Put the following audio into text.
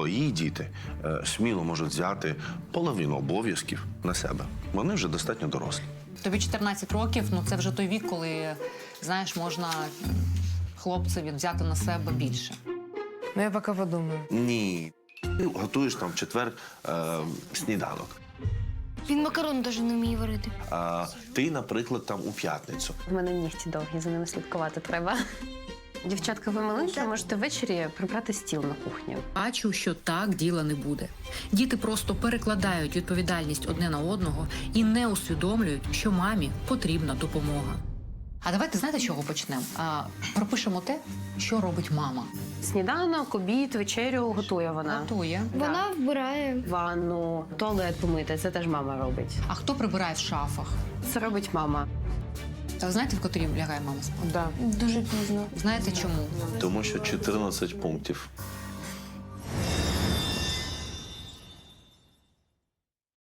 твої діти сміло можуть взяти половину обов'язків на себе. Вони вже достатньо дорослі. Тобі 14 років, ну це вже той вік, коли, знаєш, можна хлопцеві взяти на себе більше. Ну, я поки подумаю. Ні. Ти готуєш там в четвер сніданок. Він макарон навіть не вміє варити. А ти, наприклад, там у п'ятницю. У мене нігті довгі, за ними слідкувати треба. Дівчатка, ви маленькі, можете ввечері прибрати стіл на кухні. Бачу, що так діла не буде. Діти просто перекладають відповідальність одне на одного і не усвідомлюють, що мамі потрібна допомога. А давайте, знаєте, з чого почнемо? Пропишемо те, що робить мама. Сніданок, обід, вечерю готує вона. Готує. Вона вбирає. Ванну, туалет помити, це теж мама робить. А хто прибирає в шафах? Це робить мама. Та ви знаєте, в котрій лягає мама спати? Да. Дуже пізно. Знаєте чому? Тому що 14 пунктів.